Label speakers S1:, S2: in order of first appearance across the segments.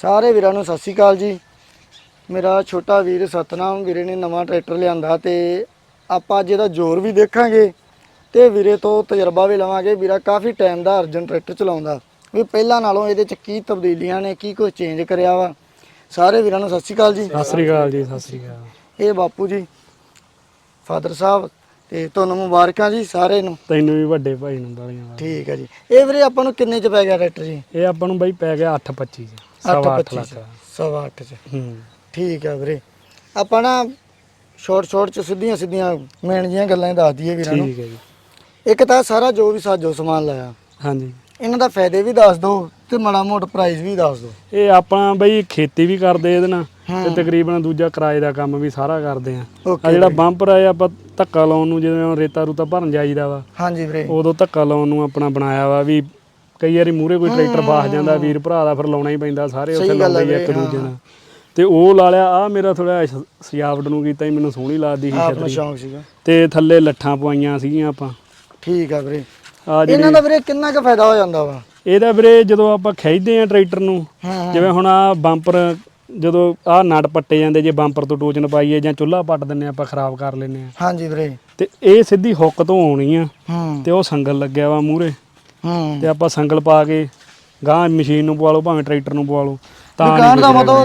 S1: ਸਾਰੇ ਵੀਰਾਂ ਨੂੰ ਸਤਿ ਸ਼੍ਰੀ ਅਕਾਲ ਜੀ। ਮੇਰਾ ਛੋਟਾ ਵੀਰ ਸਤਨਾਮ ਵੀਰੇ ਨੇ ਨਵਾਂ ਟਰੈਕਟਰ ਲਿਆਂਦਾ ਤੇ ਆਪਾਂ ਅੱਜ ਇਹਦਾ ਜ਼ੋਰ ਵੀ ਦੇਖਾਂਗੇ ਤੇ ਵੀਰੇ ਤੋਂ ਤਜਰਬਾ ਵੀ ਲਵਾਂਗੇ। ਵੀਰਾ ਕਾਫੀ ਟਾਈਮ ਦਾ ਅਰਜਨ ਟਰੈਕਟਰ ਚਲਾਉਂਦਾ ਵੀ ਪਹਿਲਾਂ ਨਾਲੋਂ ਇਹਦੇ 'ਚ ਕੀ ਤਬਦੀਲੀਆਂ ਨੇ, ਕੀ ਕੁਝ ਚੇਂਜ ਕਰਿਆ ਵਾ। ਸਾਰੇ ਵੀਰਾਂ ਨੂੰ ਸਤਿ ਸ਼੍ਰੀ ਅਕਾਲ ਜੀ।
S2: ਸਤਿ ਸ੍ਰੀ ਅਕਾਲ ਜੀ। ਸਤਿ ਸ੍ਰੀ ਅਕਾਲ।
S1: ਇਹ ਬਾਪੂ ਜੀ ਫਾਦਰ ਸਾਹਿਬ ਤੇ ਤੁਹਾਨੂੰ ਮੁਬਾਰਕਾਂ ਜੀ ਸਾਰੇ ਨੂੰ।
S2: ਤੈਨੂੰ ਵੀ ਵੱਡੇ ਭਾਈ ਨੂੰ ਬਾਲੀਆਂ।
S1: ਠੀਕ ਹੈ ਜੀ। ਇਹ ਵੀਰੇ ਆਪਾਂ ਨੂੰ ਕਿੰਨੇ 'ਚ ਪੈ ਗਿਆ ਟਰੈਕਟਰ ਜੀ?
S2: ਇਹ ਆਪਾਂ ਨੂੰ ਬਾਈ ਪੈ ਗਿਆ 8.25 ਚ,
S1: 8.25
S2: ਲੱਖ।
S1: 8.25 ਚ।
S2: ਹੂੰ
S1: ਠੀਕ ਹੈ ਵੀਰੇ। ਆਪਾਂ ਨਾ ਸ਼ੋਰਟ ਚ ਸਿੱਧੀਆਂ ਮੇਨ ਜੀਆਂ ਗੱਲਾਂ ਹੀ ਦੱਸ ਦਈਏ ਵੀਰਾਂ ਨੂੰ।
S2: ਠੀਕ ਹੈ ਜੀ।
S1: ਇੱਕ ਤਾਂ ਸਾਰਾ ਜੋ ਵੀ ਸਾਜੋ ਸਮਾਨ ਲਾਇਆ,
S2: ਹਾਂਜੀ,
S1: ਇਹਨਾਂ ਦਾ ਫਾਇਦੇ ਵੀ ਦੱਸ ਦਿਓ ਤੇ ਮਾੜਾ ਮੋਟਾ ਪ੍ਰਾਈਸ ਵੀ ਦੱਸ ਦਿਓ।
S2: ਇਹ ਆਪਾਂ ਬਈ ਖੇਤੀ ਵੀ ਕਰਦੇ ਇਹਦੇ ਨਾਲ ਤੇ ਤਕਰੀਬਨ ਦੂਜਾ ਕਿਰਾਏ ਦਾ ਕੰਮ ਵੀ ਸਾਰਾ ਕਰਦੇ ਆ। ਆ ਜਿਹੜਾ ਬੰਪਰ ਆ ਆਪਾਂ ਧੱਕਾ ਲਾਉਣ ਨੂੰ, ਜਦੋਂ ਰੇਤਾ ਰੂਤਾ ਭਰਨ ਜਾਈਦਾ ਵਾ,
S1: ਹਾਂਜੀ ਵੀਰੇ,
S2: ਉਦੋਂ ਧੱਕਾ ਲਾਉਣ ਨੂੰ ਆਪਣਾ ਬਣਾਇਆ ਵਾ ਵੀ ਕਈ ਵਾਰੀ ਮੂਹਰੇ ਕੋਈ ਟਰੈਕਟਰ ਫਸ ਜਾਂਦਾ ਵੀਰ ਭਰਾ ਦਾ, ਫਿਰ ਲਾਉਣਾ ਹੀ ਪੈਂਦਾ। ਸਾਰੇ ਉੱਥੇ ਲਾਉਂਦੇ ਇੱਕ ਦੂਜੇ ਨਾਲ ਤੇ ਉਹ ਲਾ ਲਿਆ। ਆ ਮੇਰਾ ਥੋੜਾ ਸਜਾਵਟ ਨੂੰ ਕੀਤਾ ਹੀ, ਮੈਨੂੰ ਸੋਹਣੀ ਲੱਗਦੀ ਸੀ
S1: ਆਪਣਾ ਸ਼ੌਂਕ ਸੀਗਾ
S2: ਤੇ ਥੱਲੇ ਲੱਠਾਂ ਪਵਾਈਆਂ ਸੀਗੀਆਂ ਆਪਾਂ।
S1: ਠੀਕ ਆ ਵੀਰੇ। ਇਹਨਾਂ ਦਾ ਵੀਰੇ ਕਿੰਨਾ ਕੁ ਫਾਇਦਾ ਹੋ ਜਾਂਦਾ ਵਾ?
S2: ਇਹਦਾ ਵੀਰੇ ਜਦੋਂ ਆਪਾਂ ਖਿੱਚਦੇ ਆ ਟਰੈਕਟਰ ਨੂੰ, ਜਿਵੇਂ ਹੁਣ ਆ ਬੰਪਰ ਜਦੋਂ ਆ ਨਟ ਪੱਟੇ ਜਾਂਦੇ, ਜੇ ਬੰਪਰ ਤੋਂ ਟੋਚਨ ਪਾਈਏ ਜਾਂ ਚੁੱਲ੍ਹਾ ਪੱਟ ਦਿੰਨੇ ਆਪਾਂ, ਖਰਾਬ ਕਰ ਲੈਨੇ ਆ।
S1: ਹਾਂਜੀ ਵੀਰੇ।
S2: ਤੇ ਇਹ ਸਿੱਧੀ ਹੁੱਕ ਤੋਂ ਆਉਣੀ ਆ ਤੇ ਉਹ ਸੰਗਲ ਲੱਗਿਆ ਵਾ ਮੂਹਰੇ, ਤੇ ਆਪਾਂ ਸੰਗਲ ਪਾ ਕੇ ਗਾਂ ਮਸ਼ੀਨ ਨੂੰ ਪਵਾ ਲਓ ਭਾਵੇਂ ਟਰੈਕਟਰ ਨੂੰ ਪਵਾ ਲਓ ਤਾਂ
S1: ਦਾ ਮਤਲਬ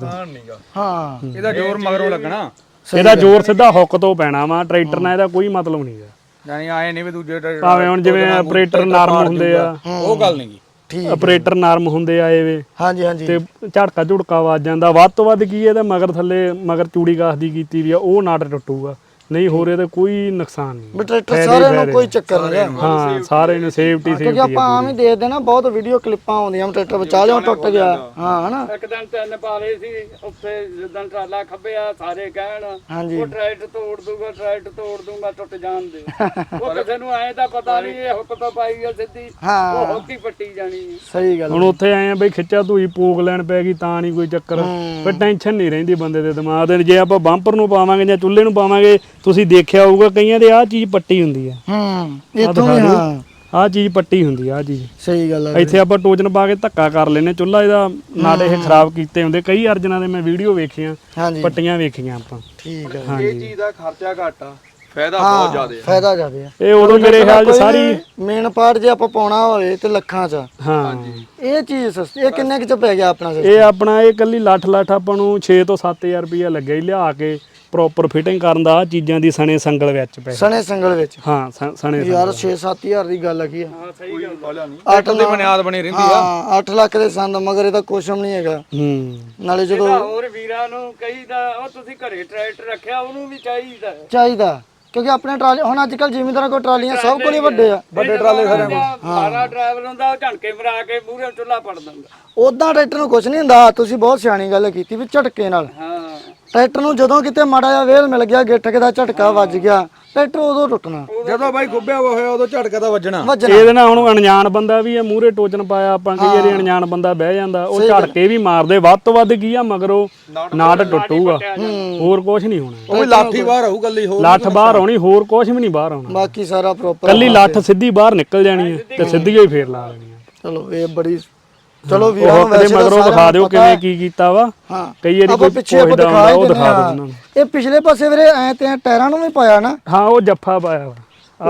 S2: ਹਾਂ
S3: ਇਹਦਾ ਜ਼ੋਰ ਮਗਰੋਂ ਲੱਗਣਾ।
S2: ਇਹਦਾ ਜ਼ੋਰ ਸਿੱਧਾ ਹੁੱਕ ਤੋਂ ਪੈਣਾ ਵਾ। ਟਰੈਕਟਰ ਨਾਲ ਇਹਦਾ ਕੋਈ ਮਤਲਬ ਨਹੀਂਗਾ।
S3: ਯਾਨੀ ਆਏ ਨਹੀਂ ਵੀ ਦੂਜੇ
S2: ਭਾਵੇਂ ਹੁਣ ਜਿਵੇਂ ਆਪਰੇਟਰ ਨਰਮ ਹੁੰਦੇ ਆ,
S3: ਉਹ ਗੱਲ ਨਹੀਂ।
S1: ਠੀਕ,
S2: ਆਪਰੇਟਰ ਨਰਮ ਹੁੰਦੇ ਆ ਇਹ ਵੇ।
S1: ਹਾਂਜੀ ਹਾਂਜੀ।
S2: ਤੇ ਝੜਕਾ ਝੁੜਕਾ ਵੱਜ ਜਾਂਦਾ। ਵੱਧ ਤੋਂ ਵੱਧ ਕੀ ਇਹਦਾ ਮਗਰ ਥੱਲੇ ਮਗਰ ਚੂੜੀ ਕਾਸ ਦੀ ਕੀਤੀ ਵੀ ਆ, ਉਹ ਨਟ ਟੁੱਟੂਗਾ, ਨਹੀਂ ਹੋਰ ਇਹਦਾ ਕੋਈ ਨੁਕਸਾਨ ਨਹੀਂ।
S1: ਵੀ ਟਰੈਕਟਰ ਸਾਰਿਆਂ ਨੂੰ ਕੋਈ ਚੱਕਰ ਨਹੀਂ।
S2: ਹਾਂ ਸਾਰੇ ਨੂੰ ਸੇਫਟੀ
S1: ਕਿਉਂਕਿ ਆਪਾਂ ਆਮ ਹੀ ਦੇਖਦੇ ਨਾ, ਬਹੁਤ ਵੀਡੀਓ ਕਲਿੱਪਾਂ ਆਉਂਦੀਆਂ ਟਰੈਕਟਰ ਵਿਚਾਲਿਓਂ ਟੁੱਟ ਗਿਆ। ਹਾਂ ਹਨਾ।
S4: ਇੱਕ ਦਿਨ ਤਿੰਨ ਪਾ ਲਏ ਸੀ ਉੱਥੇ, ਜਿੱਦਾਂ ਟਰਾਲਾ ਖੱਬਿਆ ਸਾਰੇ ਕਹਿਣ ਉਹ ਟਰੈਕਟਰ ਤੋੜ ਦੂਗਾ, ਟਰੈਕਟਰ ਤੋੜ ਦੂਗਾ, ਟੁੱਟ ਜਾਣ ਦੇ। ਉਹ ਕਿਸੇ ਨੂੰ ਐਂ ਤਾਂ ਪਤਾ ਨਹੀਂ ਇਹ ਹੁੱਕ ਤੋਂ ਪਾਈ ਆ ਸਿੱਧੀ, ਉਹ ਹੁੱਕ ਹੀ ਪੱਟੀ ਜਾਣੀ।
S1: ਸਹੀ ਗੱਲ।
S2: ਹੁਣ ਉੱਥੇ ਆਏ ਆ ਬਈ ਖਿੱਚਾ ਧੂਈ ਪੂਕ ਲੈਣ ਪੈ ਗਈ ਤਾਂ ਨਹੀਂ ਕੋਈ ਚੱਕਰ, ਫਿਰ ਟੈਨਸ਼ਨ ਨਹੀਂ ਰਹਿੰਦੀ ਬੰਦੇ ਦੇ ਦਿਮਾਗ ਤੇ। ਜੇ ਆਪਾਂ ਬੰਪਰ ਨੂੰ ਪਾਵਾਂਗੇ ਜਾਂ ਚੁੱਲ੍ਹੇ ਨੂੰ ਪਾਵਾਂਗੇ, ਤੁਸੀਂ ਦੇਖਿਆ ਹੋਊਗਾ ਕਈਆਂ ਦੇ ਆਹ ਚੀਜ਼ ਪੱਟੀ ਹੁੰਦੀ ਆ।
S1: ਇੱਥੋਂ ਵੀ ਹਾਂ
S2: ਆਹ ਚੀਜ਼ ਪੱਟੀ ਹੁੰਦੀ ਆ। ਆਹ ਚੀਜ਼
S1: ਸਹੀ ਗੱਲ ਆ।
S2: ਇੱਥੇ ਆਪਾਂ ਟੋਜਨ ਪਾ ਕੇ ਧੱਕਾ ਕਰ ਲੈਨੇ ਚੁੱਲ੍ਹਾ, ਇਹਦਾ ਨਾਲ ਇਹ ਖਰਾਬ ਕੀਤੇ ਹੁੰਦੇ। ਕਈ ਅਰਜਨਾਂ ਦੇ ਮੈਂ ਵੀਡੀਓ ਵੇਖੀਆਂ, ਪੱਟੀਆਂ ਵੇਖੀਆਂ ਆਪਾਂ।
S1: ਠੀਕ ਆ।
S3: ਇਹ ਚੀਜ਼ ਦਾ ਖਰਚਾ ਘੱਟ ਆ, ਫਾਇਦਾ ਬਹੁਤ ਜ਼ਿਆਦਾ ਆ।
S1: ਫਾਇਦਾ ਜ਼ਿਆਦਾ ਆ।
S2: ਇਹ ਉਦੋਂ ਮੇਰੇ ਖਿਆਲ 'ਚ ਸਾਰੀ
S1: ਮੇਨ ਪਾਰਟ ਜੇ ਆਪਾਂ ਪਾਉਣਾ ਹੋਵੇ ਤੇ ਲੱਖਾਂ 'ਚ।
S2: ਹਾਂ
S1: ਇਹ ਚੀਜ਼ ਸਸਤੀ। ਇਹ ਕਿੰਨੇ ਕੁ 'ਚ ਪੈ ਗਿਆ ਆਪਣਾ?
S2: ਇਹ ਆਪਣਾ ਇਹ ਕੱਲੀ ਲੱਠ ਆਪਾਂ ਨੂੰ 6 ਤੋਂ 7000 ਰੁਪਇਆ ਲੱਗਿਆ ਹੀ ਲਿਆ ਕੇ ਪ੍ਰੋਪਰ ਫਿਟਿੰਗ ਕਰਨ ਦਾ। ਆ ਚੀਜ਼ਾਂ ਦੀ ਸਣੇ ਸੰਗਲ ਵਿੱਚ ਪੈ
S1: ਸਣੇ ਸੰਗਲ ਵਿੱਚ।
S2: ਹਾਂ ਸਣੇ
S1: ਯਾਰ 6-7000 ਦੀ ਗੱਲ ਕੀ ਆ?
S4: ਹਾਂ ਸਹੀ ਗੱਲ।
S3: 8 ਦੀ ਬੁਨਿਆਦ ਬਣੀ ਰਹਿੰਦੀ ਆ।
S1: ਹਾਂ 8 ਲੱਖ ਦੇ ਸੰਦ, ਮਗਰ ਇਹਦਾ ਕੁਛ ਵੀ ਨਹੀਂ ਹੈਗਾ। ਨਾਲੇ ਜਦੋਂ
S4: ਹੋਰ ਵੀਰਾਂ ਨੂੰ ਕਹੀਦਾ ਉਹ ਤੁਸੀਂ ਘਰੇ ਟਰੈਕਟਰ ਰੱਖਿਆ, ਉਹਨੂੰ ਵੀ ਚਾਹੀਦਾ
S1: ਚਾਹੀਦਾ, ਕਿਉਂਕਿ ਆਪਣੇ ਟਰਾਲੇ ਹੁਣ ਅੱਜ ਕੱਲ ਜ਼ਿਮੀਂਦਾਰਾਂ ਕੋਲ ਟਰਾਲੀਆਂ ਸਭ ਕੋਲ ਹੀ ਵੱਡੇ ਆ, ਵੱਡੇ ਟਰਾਲੇ ਖੜੇ।
S4: ਸਾਰਾ ਡਰਾਈਵਰ ਹੁੰਦਾ ਉਹ ਝਣਕੇ ਮਰਾ ਕੇ ਮੂਹਰੇ ਚੁੱਲ੍ਹਾ ਪੜ ਦਿੰਦਾ।
S1: ਉਦਾਂ ਟਰੈਕਟਰ ਨੂੰ ਕੁਛ ਨਹੀਂ ਹੁੰਦਾ। ਤੁਸੀਂ ਬਹੁਤ ਸਿਆਣੀ ਗੱਲ ਕੀਤੀ ਵੀ ਝਟਕੇ ਨਾਲ।
S4: ਹਾਂ
S1: ਟਰੈਕਟਰ ਨੂੰ ਜਦੋਂ ਕਿਤੇ ਮਾੜਾ ਜਿਹਾ ਵੇਲ ਮਿਲ ਗਿਆ, ਗਿੱਠਕ ਦਾ ਝਟਕਾ ਵੱਜ ਗਿਆ, ਟਰੈਕਟਰ ਉਦੋਂ ਟੁੱਟਣਾ।
S3: ਜਦੋਂ ਬਾਈ ਗੁੱਬਿਆ ਹੋਇਆ ਉਦੋਂ ਝਟਕਾ ਤਾਂ ਵੱਜਣਾ।
S2: ਇਹਦੇ ਨਾਲ ਹੁਣ ਅਣਜਾਣ ਬੰਦਾ ਵੀ ਆ, ਮੂਹਰੇ ਟੋਚਨ ਪਾਇਆ ਆਪਾਂ, ਕਈ ਵਾਰੀ ਅਣਜਾਣ ਬੰਦਾ ਬਹਿ ਜਾਂਦਾ, ਉਹ ਝਟਕੇ ਵੀ ਮਾਰਦੇ। ਵੱਧ ਤੋਂ ਵੱਧ ਕੀ ਆ ਮਗਰੋਂ ਨਾਟ ਟੁੱਟੂਗਾ, ਹੋਰ ਕੁਝ ਨਹੀਂ ਹੋਣਾ।
S3: ਉਹ ਵੀ ਲਾਠੀ ਬਾਹਰ ਆਊ ਕੱਲੀ, ਹੋਰ
S2: ਲੱਠ ਬਾਹਰ ਆਉਣੀ, ਹੋਰ ਕੁਝ ਵੀ ਨਹੀਂ ਬਾਹਰ ਆਉਣਾ।
S1: ਬਾਕੀ ਸਾਰਾ ਪ੍ਰੋਪਰ
S2: ਕੱਲੀ ਲੱਠ ਸਿੱਧੀ ਬਾਹਰ ਨਿਕਲ ਜਾਣੀ ਹੈ ਤੇ ਸਿੱਧੀ ਹੀ ਫੇਰ ਲਾ ਲੈਣੀ ਹੈ।
S1: ਚਲੋ ਇਹ ਬੜੀ, ਚਲੋ ਵੀਰਾਂ ਨੂੰ
S2: ਵੈਸੇ ਮਗਰੋਂ ਦਿਖਾ ਦਿਓ ਕਿਵੇਂ ਕੀ ਕੀਤਾ ਵਾ। ਕਈ ਵਾਰੀ ਕੋਈ
S1: ਪਿੱਛੇ ਆਪਾਂ
S2: ਦਿਖਾ ਉਹ ਦਿਖਾ ਦਿਓ ਉਹਨਾਂ ਨੂੰ।
S1: ਇਹ ਪਿਛਲੇ ਪਾਸੇ ਵੀਰੇ ਐ ਤੇ ਟਾਇਰਾਂ ਨੂੰ ਵੀ ਪਾਇਆ ਨਾ?
S2: ਹਾਂ ਉਹ ਜੱਫਾ ਪਾਇਆ ਵਾ।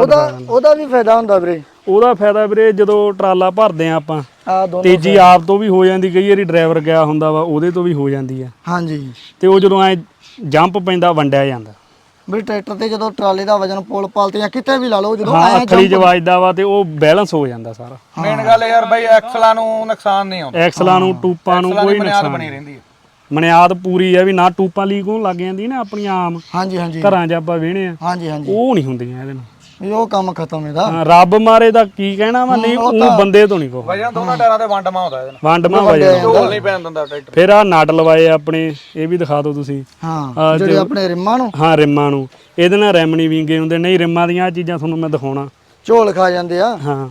S1: ਉਹਦਾ ਵੀ ਫਾਇਦਾ ਹੁੰਦਾ ਵੀਰੇ?
S2: ਉਹਦਾ ਫਾਇਦਾ ਵੀਰੇ ਜਦੋਂ ਟਰਾਲਾ ਭਰਦੇ ਆ ਆਪਾਂ, ਤੇਜ਼ੀ ਆਪ ਤੋਂ ਵੀ ਹੋ ਜਾਂਦੀ, ਕਈ ਵਾਰੀ ਡਰਾਈਵਰ ਗਿਆ ਹੁੰਦਾ ਵਾ ਉਹਦੇ ਤੋਂ ਵੀ ਹੋ ਜਾਂਦੀ ਆ।
S1: ਹਾਂਜੀ।
S2: ਤੇ ਉਹ ਜਦੋਂ ਐ ਜੰਪ ਪੈਂਦਾ ਵੰਡਿਆ ਜਾਂਦਾ
S1: ਵੀ ਟਰੈਕਟਰ ਤੇ ਜਦੋਂ ਟਰਾਲੇ ਦਾ ਵਜਨ ਪੁਲ ਪਾਲ ਤੇ ਜਾਂ ਕਿਤੇ ਵੀ ਲਾ ਲਓ, ਜਦੋਂ
S2: ਅੱਖਲੀ ਚ ਵੱਜਦਾ ਵਾ ਤੇ ਉਹ ਬੈਲੈਂਸ ਹੋ ਜਾਂਦਾ ਸਾਰਾ।
S3: ਮੇਨ ਗੱਲ ਯਾਰ ਬਾਈ ਐਕਸਲਾਂ ਨੂੰ ਨੁਕਸਾਨ ਨਹੀਂ ਆਉਂਦਾ,
S2: ਐਕਸਲਾਂ ਨੂੰ ਟੂਪਾਂ ਨੂੰ ਕੋਈ ਨੁਕਸਾਨ
S3: ਬਣੀ ਰਹਿੰਦੀ ਹੈ।
S2: ਮਨਿਆਦ ਪੂਰੀ ਆ ਵੀ ਨਾ ਟੂਪਾਂ ਲੀਕ ਹੋਣ ਲੱਗ ਜਾਂਦੀ ਨਾ ਆਪਣੀਆਂ ਆਮ ਘਰਾਂ 'ਚ ਆਪਾਂ ਵੇਹਣੇ ਆ, ਉਹ ਨਹੀਂ ਹੁੰਦੀਆਂ ਇਹਦੇ ਨਾਲ।
S1: ਉਹ ਕੰਮ ਖਤਮ ਇਹਦਾ।
S2: ਰੱਬ ਮਾਰੇ ਦਾ ਕੀ ਕਹਿਣਾ ਵਾ, ਨਹੀਂ ਉਹ ਬੰਦੇ ਤੋਂ ਨਹੀਂ ਕੋ
S3: ਵਜਨ ਦੋਨਾਂ ਟਾਇਰਾਂ ਤੇ ਵੰਡਮਾ ਹੁੰਦਾ ਇਹਦੇ ਨਾਲ।
S2: ਵੰਡਮਾ ਵਜਨ
S3: ਢੋਲ ਨਹੀਂ ਪੈਣ ਦਿੰਦਾ ਟਰੈਕਟਰ।
S2: ਫਿਰ ਆ ਨਟ ਲਵਾਏ ਆਪਣੇ, ਇਹ ਵੀ ਦਿਖਾ ਦਿਓ ਤੁਸੀਂ।
S1: ਹਾਂ ਜਿਹੜੇ ਆਪਣੇ ਰਿਮਾਂ ਨੂੰ।
S2: ਹਾਂ ਰਿਮਾਂ ਨੂੰ, ਇਹਦੇ ਨਾਲ ਰਿਮ ਨਹੀਂ ਵਿੰਗੇ ਹੁੰਦੇ। ਨਹੀਂ ਰਿਮਾਂ ਦੀਆਂ ਆ ਚੀਜ਼ਾਂ ਤੁਹਾਨੂੰ ਮੈਂ ਦਿਖਾਉਣਾ,
S1: ਝੋਲ ਖਾ ਜਾਂਦੇ ਆ।
S2: ਹਾਂ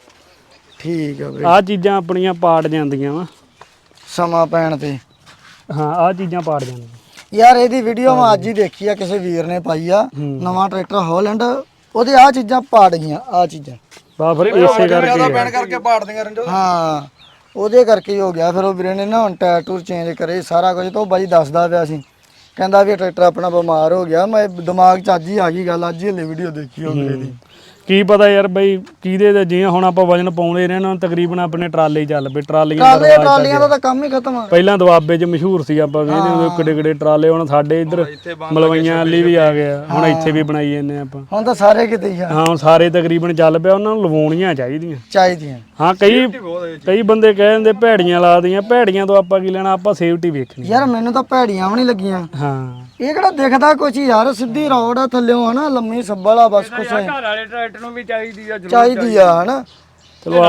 S1: ਠੀਕ ਆ ਵੀਰੇ।
S2: ਆ ਚੀਜ਼ਾਂ ਆਪਣੀਆਂ ਪਾਟ ਜਾਂਦੀਆਂ ਵਾ
S1: ਸਮਾਂ ਪੈਣ ਤੇ।
S2: ਹਾਂ ਆ ਚੀਜ਼ਾਂ ਪਾਟ ਜਾਂਦੀਆਂ
S1: ਯਾਰ। ਇਹਦੀ ਵੀਡੀਓ ਮੈਂ ਅੱਜ ਹੀ ਦੇਖੀ ਆ, ਕਿਸੇ ਵੀਰ ਨੇ ਪਾਈ ਆ, ਨਵਾਂ ਟਰੈਕਟਰ ਹੋਲੈਂਡ, ਉਹਦੇ ਆ ਚੀਜ਼ਾਂ ਪਾੜ ਗਈਆਂ। ਆ ਚੀਜ਼ਾਂ
S2: ਬਾ ਫਿਰ ਇਸੇ ਕਰਕੇ
S3: ਪੈਣ ਕਰਕੇ ਪਾੜਦੀਆਂ ਰੰਜੋ।
S1: ਹਾਂ ਉਹਦੇ ਕਰਕੇ ਹੀ ਹੋ ਗਿਆ। ਫਿਰ ਉਹ ਵੀਰੇ ਨੇ ਨਾ ਹੁਣ ਟਾਇਰ ਟੂਰ ਚੇਂਜ ਕਰੇ ਸਾਰਾ ਕੁਝ, ਤਾਂ ਉਹ ਬਾਈ ਦੱਸਦਾ ਪਿਆ ਸੀ, ਕਹਿੰਦਾ ਵੀ ਟਰੈਕਟਰ ਆਪਣਾ ਬਿਮਾਰ ਹੋ ਗਿਆ। ਮੈਂ ਦਿਮਾਗ 'ਚ ਅੱਜ ਹੀ ਆ ਗਈ ਗੱਲ, ਅੱਜ ਹੀ ਹਲੇ ਵੀਡੀਓ ਦੇਖੀ ਉਹ ਵੀਰੇ ਦੀ।
S2: ਕੀ ਪਤਾ ਯਾਰ ਬਈ ਕਿਹਦੇ ਤੇ, ਜਿਵੇਂ ਹੁਣ ਆਪਾਂ ਵਜਨ ਪਾਉਂਦੇ ਰਹੇ ਨਾ, ਤਕਰੀਬਨ ਆਪਣੇ ਟਰਾਲੇ ਹੀ ਚੱਲ ਪਏ,
S1: ਟਰਾਲੀਆਂ ਦਾ ਤਾਂ ਕੰਮ ਹੀ ਖਤਮ ਆ।
S2: ਪਹਿਲਾਂ ਦੁਆਬੇ 'ਚ ਮਸ਼ਹੂਰ ਸੀ, ਆਪਾਂ ਵੇਖਦੇ ਹੁੰਦੇ ਕਿੱਡੇ ਕਿੱਡੇ ਟਰਾਲੇ। ਹੁਣ ਸਾਡੇ ਇੱਧਰ ਮਲਵਈਆਂ ਵਾਲੀ ਵੀ ਆ ਗਿਆ, ਹੁਣ ਇੱਥੇ ਵੀ ਬਣਾਈ ਜਾਂਦੇ ਆਪਾਂ।
S1: ਹੁਣ ਤਾਂ ਸਾਰੇ ਕਿਤੇ ਹੀ ਆ।
S2: ਹਾਂ, ਹੁਣ ਸਾਰੇ ਤਕਰੀਬਨ ਚੱਲ ਪਿਆ, ਉਹਨਾਂ ਨੂੰ ਲਵਾਉਣੀਆਂ ਚਾਹੀਦੀਆਂ। ਹਾਂ, ਕਈ ਬੰਦੇ ਕਹਿ ਦਿੰਦੇ ਭੈੜੀਆਂ ਲਾ ਦੀਆਂ, ਭੈੜੀਆਂ ਤੋਂ ਆਪਾਂ ਕੀ ਲੈਣਾ, ਆਪਾਂ ਸੇਫਟੀ ਵੇਖਣੀ।
S1: ਯਾਰ ਮੈਨੂੰ ਤਾਂ ਭੈੜੀਆਂ ਵੀ ਨਹੀਂ ਲੱਗੀਆਂ।
S2: ਹਾਂ,
S1: ਇਹ ਕਿਹੜਾ ਦਿਖਦਾ ਕੁਛ ਯਾਰ, ਸਿੱਧੀ ਰੋਡ ਆ ਥੱਲਿਓਂ ਹਨਾ, ਲੰਮੀ ਸੱਬਲ ਆ, ਬਸ ਕੁਛ
S4: ਘਰ ਵਾਲੇ ਟਰੈਕਟਰ ਨੂੰ ਵੀ ਚਾਹੀਦੀ
S1: ਆ ਹਨਾ।
S2: ਚਲੋ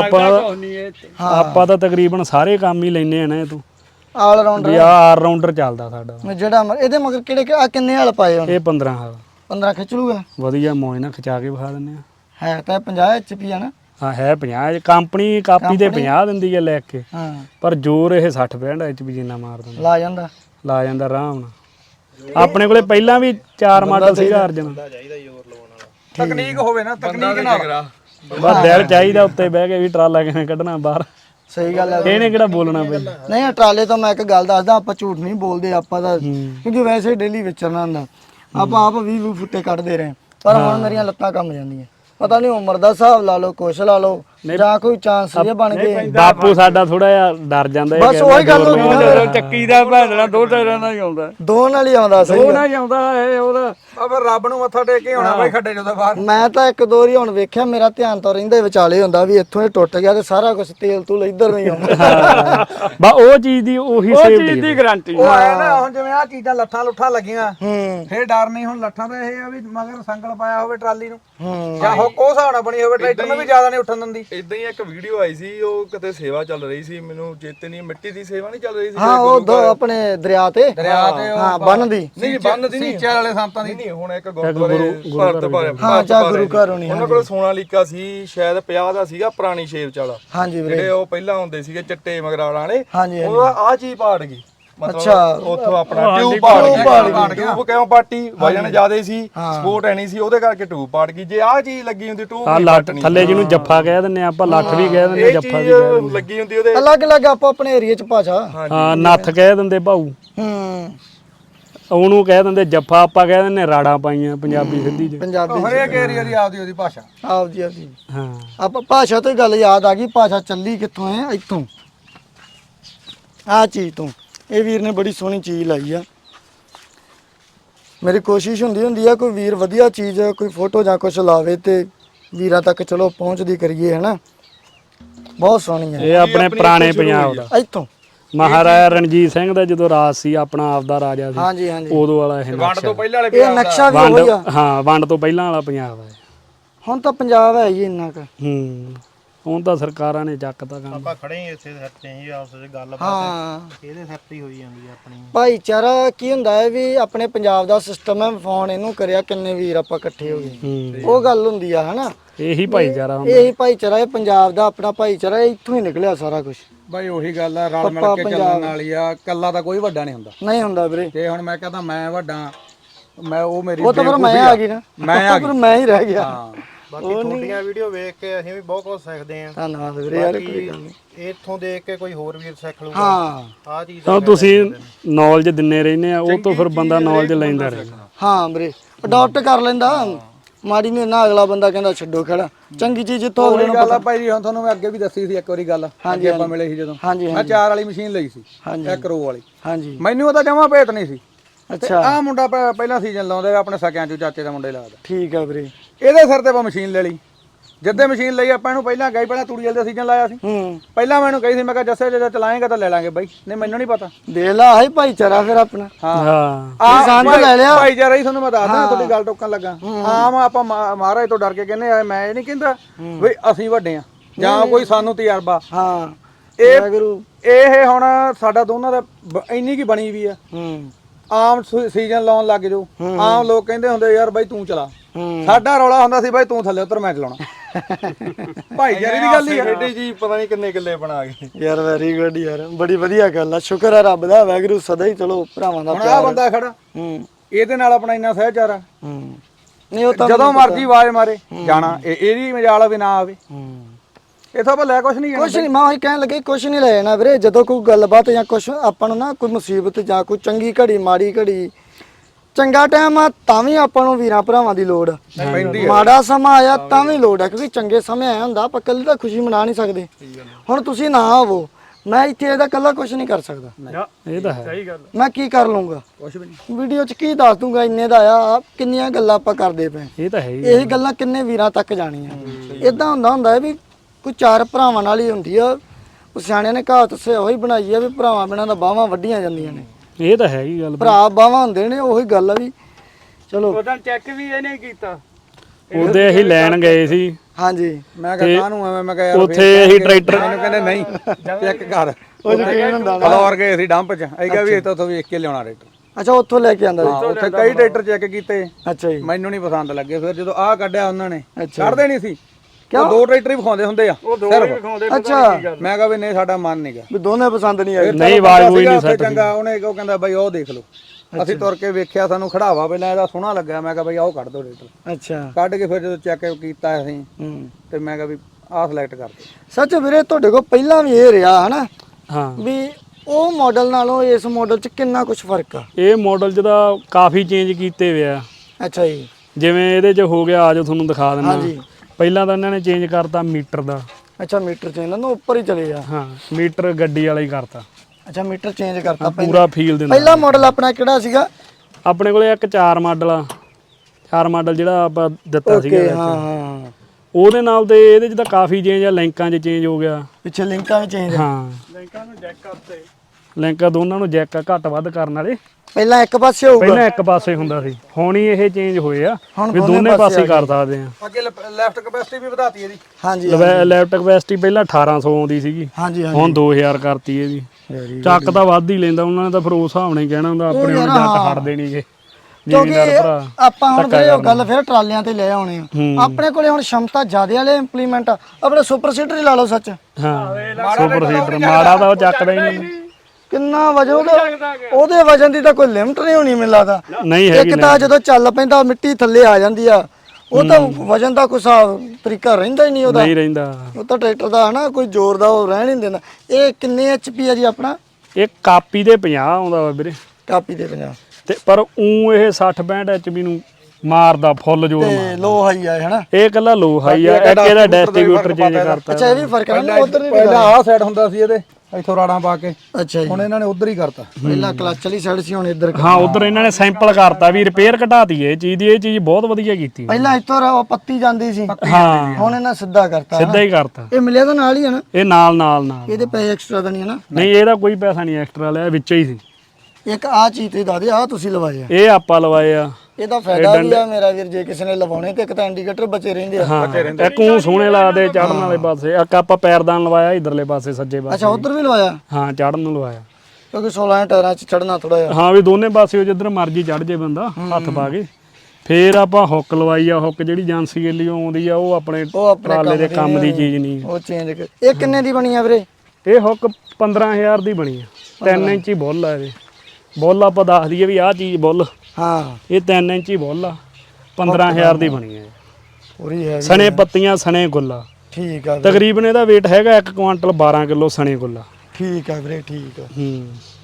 S2: ਆਪਾਂ ਤਾਂ ਤਕਰੀਬਨ ਸਾਰੇ ਕੰਮ ਹੀ ਲੈਨੇ ਆ ਨਾ ਇਹ ਤੋਂ,
S1: ਆਲ ਰਾਉਂਡਰ
S2: ਵੀ ਆਲ ਰਾਉਂਡਰ ਚੱਲਦਾ ਸਾਡਾ।
S1: ਜਿਹੜਾ ਇਹਦੇ ਮਗਰ ਕਿਹੜੇ ਕਿੰਨੇ ਹਲ ਪਾਏ ਹੁਣ?
S2: ਇਹ 15 ਹਾਲ
S1: 15 ਖਿੱਚ ਲੂਗਾ ਵਧੀਆ,
S2: ਮੌਜ ਨਾਲ ਖਿਚਾ ਕੇ ਵਿਖਾ ਦਿੰਦੇ ਆ।
S1: ਹੈ ਤਾਂ 50 HP ਆ ਨਾ।
S2: ਹਾਂ, ਹੈ 50, ਕੰਪਨੀ ਕਾਪੀ ਤੇ 50 ਦਿੰਦੀ ਹੈ ਲੈ ਕੇ,
S1: ਹਾਂ,
S2: ਪਰ ਜ਼ੋਰ ਇਹ 60-65 HP ਜਿੰਨਾ ਮਾਰ ਦਿੰਦਾ,
S1: ਲਾ ਜਾਂਦਾ
S2: ਆਰਾਮ ਨਾਲ। ਆਪਣੇ ਕੋਲੇ ਪਹਿਲਾਂ ਵੀ 4 ਮਾਡਲ ਸੀਗਾ ਅਰਜਨ।
S3: ਤਕਨੀਕ ਹੋਵੇ ਨਾ, ਤਕਨੀਕ ਨਾਲ
S2: ਬਸ ਦਿਲ ਚਾਹੀਦਾ, ਉੱਤੇ ਬਹਿ ਕੇ ਵੀ ਟਰਾਲਾ ਕਿਵੇਂ ਕੱਢਣਾ ਬਾਹਰ।
S1: ਸਹੀ ਗੱਲ ਹੈ,
S2: ਇਹਨੇ ਕਿਹੜਾ ਬੋਲਣਾ ਬਈ।
S1: ਨਹੀਂ ਟਰਾਲੇ ਤੋਂ ਮੈਂ ਇੱਕ ਗੱਲ ਦੱਸਦਾ, ਆਪਾਂ ਝੂਠ ਨਹੀਂ ਬੋਲਦੇ, ਆਪਾਂ ਤਾਂ ਕਿਉਂਕਿ ਵੈਸੇ ਡੇਲੀ ਵਿਚਰਨਾ ਹੁੰਦਾ, ਆਪਾਂ ਆਪ 20 ਫੁੱਟੇ ਕੱਢਦੇ ਰਹੇ, ਪਰ ਹੁਣ ਮੇਰੀਆਂ ਲੱਤਾਂ ਕੰਮ ਜਾਂਦੀਆਂ। ਪਤਾ ਨਹੀਂ ਉਮਰ ਦਾ ਹਿਸਾਬ ਲਾ ਲਓ, ਕੁਛ ਲਾ ਲਓ, ਜਾਂ ਕੋਈ ਚਾਂਸ ਇਹ ਬਣ ਗਏ।
S2: ਬਾਪੂ ਸਾਡਾ ਥੋੜਾ ਜਿਹਾ ਡਰ ਜਾਂਦਾ,
S1: ਬਸ ਉਹੀ ਗੱਲ ਹੋ ਗਈ ਨਾ,
S4: ਚੱਕੀ ਦਾ ਭੈਣਣਾ 2 ਟਾਇਰਾਂ ਨਾਲ ਹੀ ਆਉਂਦਾ,
S1: ਦੋ ਨਾਲ ਹੀ ਆਉਂਦਾ। ਸਹੀ
S4: ਨਾਲ ਹੀ ਆਉਂਦਾ ਇਹ ਉਹਦਾ।
S3: ਫਿਰ ਰੱਬ ਨੂੰ ਮੱਥਾ ਟੇਕ ਕੇ ਆਉਣਾ ਬਾਈ ਖੱਡੇ ਚੋਂ ਬਾਹਰ।
S1: ਮੈਂ ਤਾਂ ਇੱਕ ਦੋ ਵਾਰੀ ਹੁਣ ਵੇਖਿਆ, ਮੇਰਾ ਧਿਆਨ ਤਾਂ ਰਹਿੰਦਾ ਵਿਚਾਲੇ ਹੁੰਦਾ ਵੀ ਇੱਥੋਂ ਇਹ ਟੁੱਟ ਗਿਆ ਤੇ ਸਾਰਾ ਕੁਝ ਤੇਲ ਤੂਲ ਇੱਧਰ ਨਹੀਂ ਆਉਂਦਾ।
S2: ਬਾ ਉਹ ਚੀਜ਼ ਦੀ ਉਹੀ ਸੇਫਟੀ
S4: ਦੀ ਗਾਰੰਟੀ
S3: ਉਹ ਆਇਆ ਨਾ, ਹੁਣ ਜਿਵੇਂ ਆ ਚੀਜ਼ਾਂ ਲੱਠਾਂ ਲੁੱਠਾਂ ਲੱਗੀਆਂ,
S1: ਹੂੰ
S3: ਫੇਰ ਡਰ ਨਹੀਂ। ਹੁਣ ਲੱਠਾਂ ਤਾਂ ਇਹ ਆ ਵੀ ਮਗਰ ਸੰਗਲ ਪਾਇਆ ਹੋਵੇ ਟਰਾਲੀ ਨੂੰ, ਜਾਂ ਉਹ ਹਿਸਾਬ ਨਾਲ ਬਣੀ ਹੋਵੇ, ਟਰੈਕਟਰ ਨੂੰ ਵੀ ਜ਼ਿਆਦਾ ਨਹੀਂ ਉੱਠਣ ਦਿੰਦੀ।
S5: ਇਦਾਂ ਹੀ ਇੱਕ ਵੀਡੀਓ ਆਈ ਸੀ, ਉਹ ਕਿਤੇ ਸੇਵਾ ਚੱਲ ਰਹੀ ਸੀ, ਮੈਨੂੰ ਚੇਤੇ ਨਹੀਂ, ਮਿੱਟੀ ਦੀ ਸੇਵਾ ਨਹੀਂ ਚੱਲ ਰਹੀ ਸੀ।
S1: ਹਾਂ, ਉਹ ਦੋ ਆਪਣੇ ਦਰਿਆ ਤੇ ਹਾਂ ਬੰਨ ਦੀ
S5: ਨਹੀਂ ਬੰਨਦੀ ਨਹੀਂ,
S3: ਸੀਚੇ ਵਾਲੇ ਸੰਤਾਂ ਦੀ
S5: ਨਹੀਂ। ਹੁਣ ਇੱਕ ਗੁਰਦੁਆਰੇ
S1: ਹਾਂ, ਚਾ ਗੁਰੂ ਘਰ ਹੋਣੀ।
S5: ਉਹਨਾਂ ਕੋਲ ਸੋਨਾਲੀਕਾ ਸੀ, ਸ਼ਾਇਦ 50 ਦਾ ਸੀਗਾ, ਪੁਰਾਣੀ ਸ਼ੇਪ ਵਾਲਾ।
S1: ਹਾਂਜੀ ਵੀਰੇ,
S5: ਜਿਹੜੇ ਉਹ ਪਹਿਲਾਂ ਹੁੰਦੇ ਸੀਗੇ ਚਿੱਟੇ ਮਗਰਾੜ ਵਾਲੇ,
S1: ਹਾਂਜੀ
S5: ਉਹ ਆ ਚੀਜ਼ ਪਾੜ ਗਈ।
S1: ਅੱਛਾ,
S5: ਉੱਥੋਂ ਆਪਣਾ ਟਿਊਬ ਪਾੜ ਗਈ। ਟਿਊਬ ਕਿਉਂ ਪਾਟੀ? ਵਜਨ ਜ਼ਿਆਦਾ ਸੀ, ਸਪੋਰਟ ਐ ਨਹੀਂ ਸੀ, ਉਹਦੇ ਕਰਕੇ ਟਿਊਬ ਪਾੜ ਗਈ। ਜੇ ਆ ਚੀਜ਼ ਲੱਗੀ ਹੁੰਦੀ ਟਿਊਬ
S2: ਲੱਠ ਥੱਲੇ ਜਿਹਨੂੰ ਜੱਫਾ ਕਹਿ ਦਿੰਦੇ ਆਪਾਂ, ਲੱਠ ਵੀ ਕਹਿ ਦਿੰਦੇ, ਜੱਫਾ ਵੀ ਕਹਿ ਦਿੰਦੇ,
S5: ਲੱਗੀ ਹੁੰਦੀ ਉਹਦੇ
S1: ਅਲੱਗ-ਅਲੱਗ ਆਪੋ ਆਪਣੇ ਏਰੀਆ ਚ ਭਾਸ਼ਾ।
S2: ਹਾਂ, ਨੱਥ ਕਹਿ ਦਿੰਦੇ ਭਾਊ,
S1: ਹੂੰ
S2: ਉਹਨੂੰ ਕਹਿ ਦਿੰਦੇ ਜੱਫਾ, ਆਪਾਂ ਕਹਿ ਦਿੰਦੇ ਰਾੜਾਂ ਪਾਈਆਂ ਪੰਜਾਬੀ ਸਿੱਧੀ ਚ।
S1: ਪੰਜਾਬੀ
S3: ਹਰੇਕ ਏਰੀਆ ਦੀ ਆਪਦੀ ਉਹਦੀ ਭਾਸ਼ਾ।
S1: ਆਪਦੀ
S2: ਹਾਂ,
S1: ਆਪਾਂ ਭਾਸ਼ਾ ਤੋਂ ਹੀ ਗੱਲ ਯਾਦ ਆ ਗਈ, ਭਾਸ਼ਾ ਚੱਲੀ ਕਿੱਥੋਂ ਹੈ? ਇੱਥੋਂ, ਆਹ ਚੀਜ਼ ਤੋਂ। ਇਹ ਵੀਰ ਨੇ ਬੜੀ ਸੋਹਣੀ ਚੀਜ਼ ਲਾਈ ਆ। ਮੇਰੀ ਕੋਸ਼ਿਸ਼ ਹੁੰਦੀ ਆ ਕੋਈ ਵੀਰ ਵਧੀਆ ਚੀਜ਼, ਕੋਈ ਫੋਟੋ ਜਾਂ ਕੁਝ ਲਾਵੇ ਤੇ ਵੀਰਾਂ ਤੱਕ ਚਲੋ ਪਹੁੰਚਦੀ ਕਰੀਏ, ਹਨਾ। ਬਹੁਤ ਸੋਹਣੀ ਹੈ
S2: ਇਹ ਆਪਣੇ ਪੁਰਾਣੇ ਪੰਜਾਬ ਦਾ,
S1: ਇੱਥੋਂ
S2: ਮਹਾਰਾਜਾ ਰਣਜੀਤ ਸਿੰਘ ਦਾ ਜਦੋਂ ਰਾਜ ਸੀ, ਆਪਣਾ ਆਪਦਾ ਰਾਜਾ ਸੀ,
S1: ਹਾਂਜੀ ਹਾਂਜੀ,
S2: ਉਦੋਂ ਵਾਲਾ ਇਹ
S3: ਵੰਡ ਤੋਂ ਪਹਿਲਾਂ ਵਾਲੇ
S1: ਇਹ ਨਕਸ਼ਾ ਵੀ ਉਹੀ ਆ।
S2: ਹਾਂ, ਵੰਡ ਤੋਂ ਪਹਿਲਾਂ ਵਾਲਾ ਪੰਜਾਬ ਹੈ।
S1: ਹੁਣ ਤਾਂ ਪੰਜਾਬ ਹੈ ਹੀ ਇੰਨਾ ਕੁ।
S2: ਹੁਣ ਤਾਂ ਸਰਕਾਰਾਂ ਨੇ ਚੱਕਤਾ ਕੰਮ।
S6: ਆਪਾਂ ਖੜੇ ਹੀ ਇੱਥੇ ਸੱਚੇ ਹੀ ਆਪਸ ਵਿੱਚ ਗੱਲਬਾਤ
S1: ਹਾਂ,
S6: ਇਹਦੇ ਸਿਰ ਹੀ ਹੋਈ ਜਾਂਦੀ ਆ ਆਪਣੀ।
S1: ਭਾਈਚਾਰਾ ਕੀ ਹੁੰਦਾ ਹੈ ਵੀ ਆਪਣੇ ਪੰਜਾਬ ਦਾ ਸਿਸਟਮ ਹੈ, ਫੋਨ ਇਹਨੂੰ ਕਰਿਆ, ਕਿੰਨੇ ਵੀਰ ਆਪਾਂ ਇਕੱਠੇ ਹੋ ਗਏ, ਉਹ ਗੱਲ ਹੁੰਦੀ ਆ, ਹਨਾ।
S2: ਇਹੀ ਭਾਈਚਾਰਾ ਹੁੰਦਾ,
S1: ਇਹੀ ਭਾਈਚਾਰਾ, ਇਹ ਪੰਜਾਬ ਦਾ ਆਪਣਾ ਭਾਈਚਾਰਾ, ਇੱਥੋਂ ਹੀ ਨਿਕਲਿਆ ਸਾਰਾ ਕੁਝ।
S3: ਬਾਈ ਉਹੀ ਗੱਲ ਆ, ਰਲ ਮਿਲ ਕੇ ਚੱਲਣ ਵਾਲੀ ਆ। ਕੱਲਾ ਤਾਂ ਕੋਈ ਵੱਡਾ ਨਹੀਂ ਹੁੰਦਾ।
S1: ਨਹੀਂ ਹੁੰਦਾ ਵੀਰੇ,
S3: ਜੇ ਹੁਣ ਮੈਂ ਕਹਦਾ ਮੈਂ ਵੱਡਾ, ਮੈਂ ਉਹ ਮੇਰੀ
S1: ਉਹ ਤਾਂ ਫਿਰ ਮੈਂ ਆ ਗਈ ਨਾ, ਫਿਰ ਮੈਂ ਹੀ ਰਹਿ ਗਿਆ।
S3: ਹਾਂ,
S6: ਬਾਕੀ ਤੁਹਾਡੀਆਂ ਵੀਡੀਓ ਵੇਖ ਕੇ ਅਸੀਂ ਵੀ ਬਹੁਤ ਕੁਝ ਸਿੱਖਦੇ ਆਂ।
S1: ਧੰਨਵਾਦ ਵੀਰੇ, ਯਾਰ ਕੋਈ ਗੱਲ ਨਹੀਂ।
S6: ਇੱਥੋਂ ਦੇਖ ਕੇ ਕੋਈ ਹੋਰ ਵੀਰ ਸਿੱਖ ਲੂਗਾ।
S1: ਹਾਂ,
S6: ਆਹ ਚੀਜ਼
S2: ਤਾਂ ਤੁਸੀਂ ਨੌਲੇਜ ਦਿੰਨੇ ਰਹਿੰਦੇ ਆ, ਉਹ ਤੋਂ ਫਿਰ ਬੰਦਾ ਨੌਲੇਜ ਲੈਂਦਾ ਰਹਿੰਦਾ।
S1: ਹਾਂ ਵੀਰੇ, ਅਡਾਪਟ ਕਰ ਲੈਂਦਾ। ਮਾੜੀ ਨਹੀਂ ਨਾ, ਅਗਲਾ ਬੰਦਾ ਕਹਿੰਦਾ ਛੱਡੋ ਖੜਾ, ਚੰਗੀ ਚੀਜ਼ ਜਿੱਥੋਂ ਅਗਲੇ ਨੂੰ
S3: ਗੱਲ ਆ ਭਾਈ ਜੀ। ਹੁਣ ਤੁਹਾਨੂੰ ਮੈਂ ਅੱਗੇ ਵੀ ਦੱਸੀ ਸੀ ਇੱਕ ਵਾਰੀ ਗੱਲ, ਅੱਗੇ ਆਪਾਂ ਮਿਲੇ ਸੀ ਜਦੋਂ। ਮੈਂ 4 ਵਾਲੀ ਮਸ਼ੀਨ ਲਈ ਸੀ, 1 ਕਰੋ ਵਾਲੀ।
S1: ਹਾਂਜੀ,
S3: ਮੈਨੂੰ ਉਹਦਾ ਜਮਾ ਭੇਤ ਨਹੀਂ ਸੀ।
S1: ਅੱਛਾ,
S3: ਆਹ ਮੁੰਡਾ ਪਹਿਲਾਂ ਸੀਜ਼ਨ ਲਾਉਂਦੇ ਆਪਣੇ ਸਕਿਆਂ ਚੋਂ, ਚਾਚੇ ਦਾ ਮੁੰਡੇ ਲੱਗਦਾ।
S1: ਠੀਕ ਆ ਵੀਰੇ।
S3: ਇਹਦੇ ਸਿਰ ਤੇ ਆਪਾਂ ਮਸ਼ੀਨ ਲੈ ਲਈ। ਜਿੱਦੇ ਮਸ਼ੀਨ ਲਈ ਆਪਾਂ ਇਹਨੂੰ ਪਹਿਲਾਂ ਗਈ, ਪਹਿਲਾਂ ਤੂੜੀ ਵਾਲੇ ਦਾ ਸੀਜ਼ਨ ਲਾਇਆ ਸੀ। ਪਹਿਲਾਂ ਮੈਨੂੰ ਕਹੀ ਸੀ, ਮੈਂ ਕਿਹਾ ਜੱਸੇ ਜੇ ਚਲਾਏਗਾ ਤਾਂ ਲੈ ਲਾਂਗੇ ਬਾਈ। ਨਹੀਂ, ਮੈਨੂੰ ਨਹੀਂ ਪਤਾ।
S1: ਦੇਖ ਲਾ, ਆਹੀ ਭਾਈਚਾਰਾ ਫਿਰ ਆਪਣਾ।
S2: ਹਾਂ,
S1: ਕਿਸਾਨ ਤੋਂ ਲੈ ਲਿਆ
S3: ਭਾਈਚਾਰਾ ਹੀ। ਤੁਹਾਨੂੰ ਮੈਂ ਦੱਸਦਾ, ਤੁਹਾਡੀ ਗੱਲ ਟੋਕਣ ਲੱਗਾ। ਆਮ ਆਪਾਂ ਮਹਾਰਾਜ ਤੋਂ ਡਰ ਕੇ ਕਹਿੰਦੇ ਆ, ਮੈਂ ਇਹ ਨਹੀਂ ਕਹਿੰਦਾ ਵੀ ਅਸੀਂ ਵੱਡੇ ਆ ਜਾਂ ਕੋਈ ਸਾਨੂੰ ਤਜਰਬਾ।
S1: ਹਾਂ,
S3: ਇਹ ਹੁਣ ਸਾਡਾ ਦੋਨਾਂ ਦਾ ਇੰਨੀ ਕੀ ਬਣੀ ਵੀ ਆ। ਆਮ ਸੀਜ਼ਨ ਲਾਉਣ ਲੱਗ ਜਾਓ, ਆਮ ਲੋਕ ਕਹਿੰਦੇ ਹੁੰਦੇ ਯਾਰ ਬਾਈ ਤੂੰ ਚਲਾ। ਸਾਡਾ ਰੌਲਾ ਹੁੰਦਾ ਸੀ ਬਾਈ ਤੂੰ ਥੱਲੇ ਉਤਰ, ਮੈਂ ਚਲਾਉਣਾ। ਭਾਈਚਾਰੇ ਦੀ ਗੱਲ ਹੀ ਆ।
S5: ਖੇਡੀ ਜੀ ਪਤਾ ਨਹੀਂ ਕਿੰਨੇ ਕਿੱਲੇ ਬਣਾ ਗਏ
S1: ਯਾਰ। ਵੈਰੀ ਗੁੱਡ ਯਾਰ, ਬੜੀ ਵਧੀਆ ਗੱਲ ਆ। ਸ਼ੁਕਰ ਆ ਰੱਬ ਦਾ, ਵਾਹਿਗੁਰੂ ਸਦਾ ਹੀ ਚਲੋ ਭਰਾਵਾਂ ਦਾ
S3: ਹੁਣ ਆਹ ਬੰਦਾ ਖੜਾ, ਇਹਦੇ ਨਾਲ ਆਪਣਾ ਇੰਨਾ ਸਹਿਚਾਰਾ।
S1: ਨਹੀਂ, ਉਹ ਤਾਂ
S3: ਜਦੋਂ ਮਰਜੀ ਆਵਾਜ਼ ਮਾਰੇ ਜਾਣਾ, ਇਹਦੀ ਮਜਾਲ ਵੀ ਨਾ ਆਵੇ। ਇਥੋਂ ਆਪਾਂ ਲੈ ਕੁਛ ਨਹੀਂ
S1: ਕੁਛ ਨਹੀਂ, ਮੈਂ ਉਹੀ ਕਹਿਣ ਲੱਗੇ ਕੁਛ ਨਹੀਂ ਲੈ ਜਾਣਾ ਵੀਰੇ। ਜਦੋਂ ਕੋਈ ਗੱਲਬਾਤ ਜਾਂ ਕੁਛ ਆਪਾਂ ਨੂੰ ਨਾ ਕੋਈ ਮੁਸੀਬਤ ਜਾਂ ਕੋਈ ਚੰਗੀ ਘੜੀ ਮਾੜੀ ਘੜੀ ਚੰਗਾ ਟਾਈਮ ਆ ਤਾਂ ਵੀ ਆਪਾਂ ਨੂੰ ਵੀਰਾਂ ਭਰਾਵਾਂ ਦੀ ਲੋੜ ਆ। ਮਾੜਾ ਸਮਾਂ ਆਇਆ ਤਾਂ ਵੀ ਲੋੜ ਆ, ਕਿਉਂਕਿ ਚੰਗੇ ਸਮੇਂ ਆਇਆ ਹੁੰਦਾ ਆਪਾਂ ਇਕੱਲੇ ਤਾਂ ਖੁਸ਼ੀ ਮਨਾ ਨਹੀਂ ਸਕਦੇ। ਹੁਣ ਤੁਸੀਂ ਨਾ ਹੋਵੋ, ਮੈਂ ਇੱਥੇ ਇਹਦਾ ਇਕੱਲਾ ਕੁਛ ਨਹੀਂ ਕਰ ਸਕਦਾ।
S2: ਇਹ ਤਾਂ ਹੈ
S4: ਸਹੀ ਗੱਲ
S1: ਮੈਂ ਕੀ ਕਰ ਲੂੰਗਾ?
S3: ਕੁਛ ਵੀ ਨਹੀਂ।
S1: ਵੀਡੀਓ 'ਚ ਕੀ ਦੱਸ ਦੂੰਗਾ, ਇੰਨੇ ਦਾ ਆ, ਕਿੰਨੀਆਂ ਗੱਲਾਂ ਆਪਾਂ ਕਰਦੇ ਪਏ।
S2: ਇਹ ਤਾਂ ਹੈ ਹੀ।
S1: ਇਹੀ ਗੱਲਾਂ ਕਿੰਨੇ ਵੀਰਾਂ ਤੱਕ ਜਾਣੀਆਂ। ਇਦਾਂ ਹੁੰਦਾ ਹੈ ਵੀ ਕੋਈ ਚਾਰ ਭਰਾਵਾਂ ਨਾਲ ਹੀ ਹੁੰਦੀ ਆ। ਉਹ ਸਿਆਣਿਆਂ ਨੇ ਕਹਾਵਤ ਉਹੀ ਬਣਾਈ ਆ ਵੀ ਭਰਾਵਾਂ ਬਿਨਾਂ ਤਾਂ ਬਾਹਾਂ ਵੱਢੀਆਂ ਜਾਂਦੀਆਂ ਨੇ।
S2: ਇਹ ਤਾਂ ਹੈ ਹੀ ਗੱਲ।
S1: ਭਰਾ ਬਾਹਾਂ ਹੁੰਦੇ ਨੇ, ਉਹੀ ਗੱਲ ਆ ਵੀ ਚਲੋ।
S4: ਉਹਦਾ ਚੈੱਕ ਵੀ ਇਹਨੇ ਕੀਤਾ।
S2: ਉਹਦੇ ਅਸੀਂ ਲੈਣ ਗਏ ਸੀ।
S1: ਹਾਂਜੀ,
S3: ਮੈਂ ਕਿਹਾ ਕਾਹਨੂੰ ਐਵੇਂ, ਮੈਂ ਕਿਹਾ ਯਾਰ
S2: ਉੱਥੇ ਅਸੀਂ ਟਰੈਕਟਰ
S3: ਮੈਨੂੰ ਕਹਿੰਦੇ ਨਹੀਂ ਚੈੱਕ ਕਰ।
S1: ਉਹ ਯਕੀਨ ਹੁੰਦਾ
S3: ਫਲੋਰ ਗਏ ਸੀ ਡੰਪ 'ਚ, ਅਸੀਂ ਕਿਹਾ ਵੀ ਇੱਥੋਂ ਤੋਂ ਵੇਖ ਕੇ ਲਿਆਉਣਾ ਟਰੈਕਟਰ।
S1: ਅੱਛਾ, ਉੱਥੋਂ ਲੈ ਕੇ ਆਂਦਾ
S3: ਹਾਂ, ਉੱਥੇ ਕਈ ਟਰੈਕਟਰ ਚੈੱਕ ਕੀਤੇ,
S1: ਅੱਛਾ ਜੀ,
S3: ਮੈਨੂੰ ਨਹੀਂ ਪਸੰਦ ਲੱਗੇ। ਫਿਰ ਜਦੋਂ ਆਹ ਕੱਢਿਆ ਉਹਨਾਂ ਨੇ,
S1: ਅੱਛਾ।
S3: ਕੱਢਦੇ ਨਹੀਂ ਸੀ, ਉਹ ਦੋ ਟਰੈਕਟਰ ਹੀ ਵਿਖਾਉਂਦੇ ਹੁੰਦੇ ਆ
S4: ਉਹ ਦੋ ਹੀ ਵਿਖਾਉਂਦੇ
S1: ਅੱਛਾ।
S3: ਮੈਂ ਕਿਹਾ ਵੀ ਨਹੀਂ ਸਾਡਾ ਮਨ ਨਹੀਂਗਾ।
S1: ਵੀ ਦੋਨੇ ਪਸੰਦ ਨਹੀਂ ਆਏ।
S2: ਨਹੀਂ ਆਵਾਜ਼ ਕੋਈ ਨਹੀਂ
S3: ਉੱਥੇ ਚੰਗਾ ਉਹਨੇ ਉਹ ਕਹਿੰਦਾ ਬਾਈ ਉਹ ਦੇਖ ਲਓ। ਅਸੀਂ ਤੁਰ ਕੇ ਵੇਖਿਆ, ਸਾਨੂੰ ਖੜਾਵਾ ਪਹਿਲਾਂ ਇਹਦਾ ਸੋਹਣਾ ਲੱਗਾ। ਮੈਂ ਕਿਹਾ ਬਾਈ ਆਹ ਕੱਢ ਦੋ ਟਰੈਕਟਰ।
S1: ਅੱਛਾ,
S3: ਕੱਢ ਕੇ ਫਿਰ ਜਦੋਂ ਚੈੱਕ ਕੀਤਾ ਅਸੀਂ
S1: ਹੂੰ।
S3: ਤੇ ਮੈਂ ਕਿਹਾ ਵੀ ਆਹ ਸਿਲੈਕਟ ਕਰ ਦੇ।
S1: ਸੱਚ ਵੀਰੇ, ਤੁਹਾਡੇ ਕੋਲ ਪਹਿਲਾਂ ਵੀ ਇਹ ਰਿਹਾ ਹਨਾ
S2: ਹਾਂ।
S1: ਵੀ ਉਹ ਮਾਡਲ ਨਾਲੋਂ ਇਸ ਮਾਡਲ 'ਚ ਕਿੰਨਾ ਕੁਝ ਫਰਕ ਆ?
S2: ਇਹ ਮਾਡਲ 'ਚ ਤਾਂ ਕਾਫੀ ਚੇਂਜ ਕੀਤੇ ਹੋਏ ਆ।
S1: ਅੱਛਾ ਜੀ,
S2: ਜਿਵੇਂ ਇਹਦੇ 'ਚ ਹੋ ਗਿਆ, ਆਜੋ ਤੁਹਾਨੂੰ ਦਿਖਾ ਦਿੰਦਾ।
S1: ਹਾਂਜੀ।
S2: ਪਹਿਲਾਂ ਤਾਂ ਇਹਨਾਂ ਨੇ ਚੇਂਜ ਕਰਤਾ ਮੀਟਰ ਦਾ।
S1: ਅੱਛਾ, ਮੀਟਰ ਚੇਂਜ ਨਾ ਉੱਪਰ ਹੀ ਚਲੇ ਆ।
S2: ਹਾਂ, ਮੀਟਰ ਗੱਡੀ ਵਾਲਾ ਹੀ ਕਰਤਾ।
S1: ਅੱਛਾ, ਮੀਟਰ ਚੇਂਜ ਕਰਤਾ।
S2: ਪੂਰਾ ਫੀਲ ਦੇ ਨਾਲ।
S1: ਪਹਿਲਾ ਮਾਡਲ ਆਪਣਾ ਕਿਹੜਾ ਸੀਗਾ?
S2: ਆਪਣੇ ਕੋਲੇ ਇੱਕ 4 ਮਾਡਲ ਆ। 4 ਮਾਡਲ ਜਿਹੜਾ ਆਪਾਂ ਦਿੱਤਾ ਸੀਗਾ ਵਿੱਚ।
S1: ਹਾਂ ਹਾਂ,
S2: ਉਹਦੇ ਨਾਲ ਤੇ ਇਹਦੇ 'ਚ ਤਾਂ ਕਾਫੀ ਚੇਂਜ ਆ। ਲਿੰਕਾਂ 'ਚ ਚੇਂਜ ਹੋ ਗਿਆ।
S1: ਪਿੱਛੇ ਲਿੰਕਾਂ ਵੀ ਚੇਂਜ।
S2: ਹਾਂ,
S4: ਲਿੰਕਾਂ ਨੂੰ ਚੈੱਕ ਕਰਤੇ।
S2: ਲਿੰਕਾਂ ਦੋਨਾਂ ਨੂੰ ਜੈਕ ਘੱਟ ਵੱਧ ਕਰਨ ਵਾਲੇ।
S1: ਪਹਿਲਾਂ ਇੱਕ ਪਾਸੇ ਹੋਊਗਾ,
S2: ਪਹਿਲਾਂ ਇੱਕ ਪਾਸੇ ਹੁੰਦਾ ਸੀ, ਹੁਣ ਹੀ ਇਹ ਚੇਂਜ ਹੋਏ ਆ
S1: ਹੁਣ
S2: ਵੀ ਦੋਨੇ ਪਾਸੇ ਕਰ ਸਕਦੇ ਆ।
S3: ਅੱਗੇ ਲੈਫਟ ਕਪੈਸਿਟੀ ਵੀ ਵਧਾਤੀ ਇਹਦੀ।
S1: ਹਾਂਜੀ
S2: ਲੈਫਟ ਕਪੈਸਿਟੀ ਪਹਿਲਾਂ 1800 ਆਉਂਦੀ ਸੀਗੀ,
S1: ਹਾਂਜੀ
S2: ਹੁਣ 2000 ਕਰਤੀ ਇਹਦੀ। ਚੱਕ ਤਾਂ ਵੱਧ ਹੀ ਲੈਂਦਾ ਉਹਨਾਂ ਨੇ ਤਾਂ ਫਿਰ ਉਸ ਹਿਸਾਬ ਨਾਲ ਹੀ ਕਹਿਣਾ ਹੁੰਦਾ ਆਪਣੇ ਹੁਣ ਜੱਟ ਹਟ ਦੇਣੀਗੇ
S1: ਕਿਉਂਕਿ
S2: ਜ਼ਿਮੀਂਦਾਰ ਭਰਾ।
S1: ਆਪਾਂ ਹੁਣ ਵੀਰੇ ਉਹ ਗੱਲ ਫਿਰ ਟਰਾਲੀਆਂ ਤੇ ਲੈ ਆਉਣੇ ਆ। ਆਪਣੇ ਕੋਲੇ ਹੁਣ ਸ਼ਮਤਾ ਜ਼ਿਆਦੇ ਵਾਲੇ ਇੰਪਲੀਮੈਂਟ ਆ। ਆਪਣੇ ਸੁਪਰ ਸੀਟਰ ਹੀ ਲਾ ਲਓ। ਸੱਚ
S2: ਹਾਂ, ਸੁਪਰ ਸੀਟਰ ਮਾੜਾ ਤਾਂ ਉਹ ਚੱਕਦਾ ਹੀ ਨਹੀਂ।
S1: ਕਿੰਨਾ ਵਜਨ ਉਹਦੇ ਵਜਨ ਦੀ ਤਾਂ ਕੋਈ ਲਿਮਟ ਨਹੀਂ ਹੋਣੀ ਮੈਨੂੰ ਲੱਗਦਾ।
S2: ਨਹੀਂ ਹੈਗੀ।
S1: ਇੱਕ ਤਾਂ ਜਦੋਂ ਚੱਲ ਪੈਂਦਾ ਮਿੱਟੀ ਥੱਲੇ ਆ ਜਾਂਦੀ ਆ, ਉਹ ਤਾਂ ਵਜਨ ਦਾ ਕੋਈ ਤਰੀਕਾ ਰਹਿੰਦਾ ਹੀ ਨਹੀਂ ਉਹਦਾ।
S2: ਨਹੀਂ ਰਹਿੰਦਾ।
S1: ਉਹ ਤਾਂ ਟਰੈਕਟਰ ਦਾ ਹਨਾ ਕੋਈ ਜ਼ੋਰ ਦਾ ਉਹ ਰਹਿਣ ਨਹੀਂ ਦਿੰਦਾ। ਇਹ ਕਿੰਨੇ ਐਚਪੀ ਆ ਜੀ ਆਪਣਾ?
S2: ਇਹ ਕਾਪੀ ਦੇ 50 ਆਉਂਦਾ ਵਾ ਵੀਰੇ,
S1: ਕਾਪੀ ਦੇ 50
S2: ਤੇ ਪਰ ਉਹ ਇਹ 60-65 ਐਚਪੀ ਨੂੰ ਮਾਰਦਾ ਫੁੱਲ ਜੋਰ
S1: ਤੇ
S2: ਮਾਰਦਾ।
S1: ਲੋ ਹਾਈ ਆ ਹਨਾ।
S2: ਇਹ ਕੱਲਾ ਲੋ ਹਾਈ ਆ। ਇੱਕ ਇਹਦਾ ਡਿਸਟ੍ਰੀਬਿਊਟਰ ਚੇਂਜ ਕਰਤਾ।
S1: ਅੱਛਾ, ਇਹ ਵੀ ਫਰਕ ਹੈ ਨਾ। ਉਧਰ ਵੀ
S3: ਪਹਿਲਾਂ ਆਹ ਸਾਈਡ ਹੁੰਦਾ ਸੀ ਇਹਦੇ, ਇੱਥੋਂ ਰਾੜਾਂ ਪਾ ਕੇ।
S1: ਅੱਛਾ ਜੀ,
S3: ਹੁਣ ਇਹਨਾਂ ਨੇ ਉਧਰ ਹੀ ਕਰਤਾ।
S1: ਪਹਿਲਾਂ ਕਲਚ ਵਾਲੀ ਸਾਈਡ ਸੀ, ਹੁਣ ਇੱਧਰ
S2: ਹਾਂ, ਉਧਰ ਇਹਨਾਂ ਨੇ ਸੈਂਪਲ ਕਰਤਾ ਵੀ ਰਿਪੇਅਰ ਘਟਾਤੀ ਇਹ ਚੀਜ਼ ਦੀ। ਇਹ ਚੀਜ਼ ਬਹੁਤ ਵਧੀਆ ਕੀਤੀ।
S1: ਪਹਿਲਾਂ ਇੱਥੋਂ ਉਹ ਪੱਤੀ ਜਾਂਦੀ ਸੀ,
S2: ਹਾਂ,
S1: ਹੁਣ ਇਹਨਾਂ ਸਿੱਧਾ ਕਰਤਾ।
S2: ਸਿੱਧਾ ਹੀ ਕਰਤਾ।
S1: ਇਹ ਮਿਲਿਆ ਤਾਂ ਨਾਲ ਹੀ ਹੈ ਨਾ?
S2: ਇਹ ਨਾਲ
S1: ਇਹਦੇ ਪੈਸੇ ਐਕਸਟਰਾ ਤਾਂ ਨਹੀਂ ਹੈ ਨਾ?
S2: ਨਹੀਂ, ਇਹਦਾ ਕੋਈ ਪੈਸਾ ਨਹੀਂ ਐਕਸਟਰਾ ਲਿਆ, ਵਿੱਚੇ ਹੀ ਸੀ।
S1: ਇੱਕ ਆ ਚੀਜ਼ ਤੇ ਦੱਸ ਦੇ, ਆ ਤੁਸੀਂ ਲਵਾਏ ਆ।
S2: ਇਹ ਆਪਾਂ ਲਵਾਏ ਆ।
S1: ਇਹਦਾ ਫਾਇਦਾ ਵੀ ਆ ਮੇਰਾ ਵੀਰ, ਜੇ ਕਿਸੇ ਨੇ ਲਵਾਉਣੇ ਤੇ ਇੱਕ ਤਾਂ ਇੰਡੀਕੇਟਰ ਬਚੇ ਰਹਿੰਦੇ ਆ।
S2: ਹਾਂ, ਇੱਕ ਉਹ ਸੋਹਣੇ ਲੱਗਦੇ ਚੜਨ ਵਾਲੇ ਪਾਸੇ। ਇੱਕ ਆਪਾਂ ਪੈਰਦਾਨ ਲਵਾਇਆ ਇਧਰਲੇ ਪਾਸੇ ਸੱਜੇ ਪਾਸੇ।
S1: ਅੱਛਾ, ਉਧਰ ਵੀ ਲਵਾਇਆ?
S2: ਹਾਂ, ਚੜਨ ਨੂੰ ਲਵਾਇਆ।
S1: ਕਿਉਂਕਿ 16 ਟਾਇਰਾਂ 'ਚ ਚੜਨਾ ਥੋੜਾ ਜਿਹਾ।
S2: ਹਾਂ, ਵੀ ਦੋਨੇ ਪਾਸੇ ਜਿੱਧਰ ਮਰਜੀ ਚੜ ਜੇ ਬੰਦਾ ਹੱਥ ਪਾ ਕੇ। ਫੇਰ ਆਪਾਂ ਹੁੱਕ ਲਵਾਈ ਆ। ਹੁੱਕ ਜਿਹੜੀ ਏਜੰਸੀ ਲਈ ਆਉਂਦੀ ਆ, ਉਹ ਆਪਣੇ ਟਰਾਲੇ ਦੇ ਕੰਮ ਦੀ ਚੀਜ਼ ਨਹੀਂ।
S1: ਉਹ ਚੇਂਜ ਕਰ। ਇਹ ਕਿੰਨੇ ਦੀ ਬਣੀ ਆ ਵੀਰੇ?
S2: ਇਹ ਹੁੱਕ 15000 ਦੀ ਬਣੀ ਆ। 3 ਇੰਚੀ ਬੁੱਲ ਆ ਇਹਦੇ। ਬੁੱਲ ਆਪਾਂ ਦੱਸ ਦਈਏ ਵੀ ਆਹ ਚੀਜ਼ ਬੁੱਲ,
S1: ਹਾਂ,
S2: ਇਹ 3 ਇੰਚੀ ਬੁੱਲ ਆ। 15000 ਦੀ ਬਣੀ ਆ।
S1: ਪੂਰੀ ਹੈ।
S2: ਸਣੇ ਪੱਤੀਆਂ, ਸਣੇ ਗੁੱਲਾ।
S1: ਠੀਕ ਆ ਵੀਰੇ,
S2: ਤਕਰੀਬਨ ਇਹਦਾ weight ਹੈਗਾ 1 ਕੁਆਂਟਲ 12 ਕਿਲੋ ਸਣੇ ਗੁੱਲਾ।
S1: ਠੀਕ ਆ ਵੀਰੇ, ਠੀਕ ਆ।
S2: ਹੂੰ।